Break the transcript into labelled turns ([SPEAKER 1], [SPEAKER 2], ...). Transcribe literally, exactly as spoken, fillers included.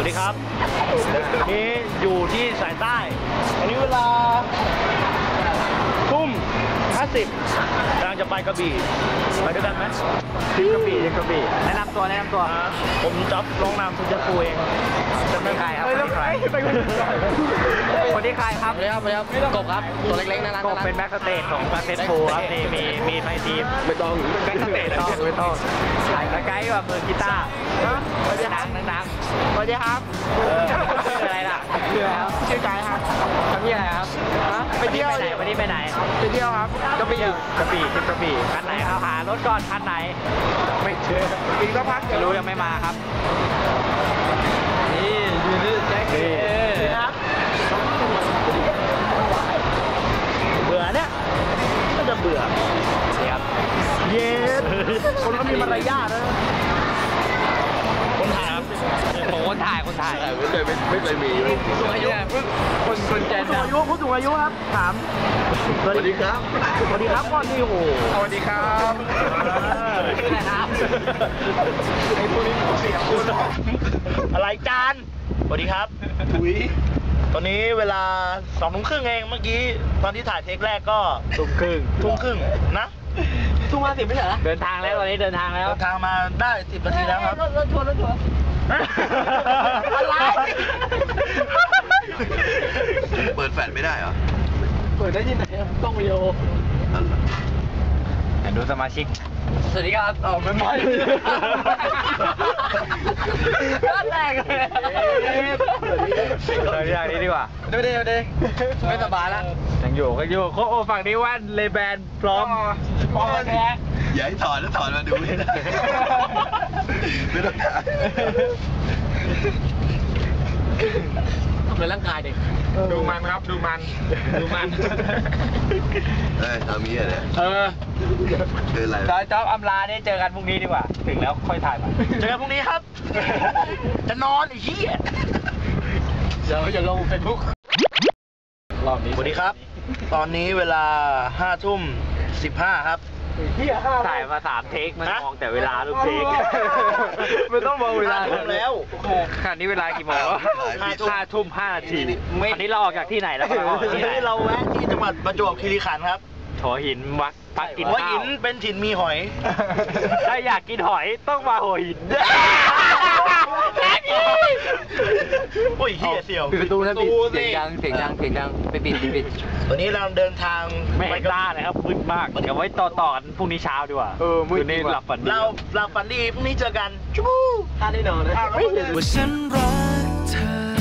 [SPEAKER 1] วัสดีครับนี่อยู่ที่สายใต้วันนี้เวลาทุ่มห้าสิบกำลังจะไปกระบี่ไปด้วยกันไหมที่กระบี่ที่กระบี่แนะนำตัวแนะนำตัวผมจ๊อบร้องนามสุจภูเองจะไม่ใครครับคนที่ใครคนที่ใครครับเลยครับเลยครับกบครับตัวเล็กๆน่ารักกบเป็นแบ็กสเตจของแบ็กเซตโฟครับนี่มีมีไทยทีมไม่ต้องแบ็กสเตจต้องไม่ต้องถ่ายไกด์แบบมือกีตาร์สวัสดีครับดังๆสวัสดีครับชื่ออะไรล่ะชื่อแล้วชื่อไกด์ครับทำยังไงครับไปเที่ยวไหนวันนี้ไปไหนไปเที่ยวครับกระบี่กระบี่กระบี่คันไหนเอาหารถก่อนคันไหนไม่เชื่อปีก็พักจะรู้ยังไม่มาครับนี่ยูนิแจ็คเก็ตครับเบื่อเนี่ยก็จะเบื่อครับเย็นคนก็มีมารยาทนะคนถ่ายครับผมคนถ่ายคนถ่ายไม่เคยไม่เคยมีผู้สูงอายุคนคนแก่ผู้สูงอายุผู้สูงอายุครับถามสวัสดีครับสวัสดีครับก่อนนี่โอ้โหสวัสดีครับชื่ออะไรครับไอ้พวกนี้เสียคุณอะไรจานสวัสดีครับถุยตอนนี้เวลาสองทุ่มครึ่งเองเมื่อกี้ตอนที่ถ่ายเทคแรกก็ทุ่มครึ่งทุ่มครึ่งนะทุ่มมาสิบไม่ใช่เหรอเดินทางแล้วตอนนี้เดินทางแล้วเดินทางมาได้สิบนาทีแล้วครับรถรถทัวร์รถทัวร์อะไร
[SPEAKER 2] เปิดแฟลชไม่ได้เหรอ
[SPEAKER 1] เปิดได้ที่ไหนกล้องวิดีโอดูสมาชิกสวัสดีครับอ๋อไม่ไม่ก็แตกเลยเดี๋ยวอย่างนี้ดีกว่าเดี๋ยวเดี๋ยวเดี๋ยวไม่สบายแล้วยังอยู่ยังอยู่โค้ฝั่งนี้ว่านเลแบนพร้อมพร้อมแท้
[SPEAKER 2] อย่าให้ถอดแล้วถอดมาดูไม่ได้ไม่ต้องถ่าย
[SPEAKER 1] ทำเลยร่างกายเด็กดูมันครับดูมันดูมัน
[SPEAKER 2] เฮ้ยทำนี้อะไร
[SPEAKER 1] เออ
[SPEAKER 2] คืออะไร
[SPEAKER 1] จอยจ๊อบอำลาเนี่ยเจอกันพรุ่งนี้ดีกว่าถึงแล้วค่อยถ่ายมาเจอกันพรุ่งนี้ครับจะนอนไอ้เหี้ยเดี๋ยวจะลงเฟซบุ๊กรอบนี้สวัสดีครับตอนนี้เวลาห้าทุ่มสิบห้าครับถ่ายมาสามเทคมันมองแต่เวลาลูกเทคไม่ต้องมองเวลาแล้วขณะนี้เวลากี่โมงห้าทุ่มห้านาทีอันนี้เราออกจากที่ไหนแล้วทีนี้เราแวะที่จังหวัดประจวบคีรีขันธ์ครับหัวหินวัดพักกินข้าวหัวหินเป็นถิ่นมีหอยถ้าอยากกินหอยต้องมาหัวหินโอ้ยเฮียเสี่ยว
[SPEAKER 3] ปิดประตูนะปิดเสียงดังเสียงดังเสียงดังไปปิดปิด
[SPEAKER 1] ตอนนี้เราเดินทางไม่กล้าเลยครับมืดมากเดี๋ยวไว้ต่อต่อกันพรุ่งนี้เช้าดีกว่าเออมืดนี้หลับฝันดีเราหลับฝันดีพรุ่งนี้เจอกันชู้ท่าได้นอนนะ
[SPEAKER 4] ว่าฉันรักเธอ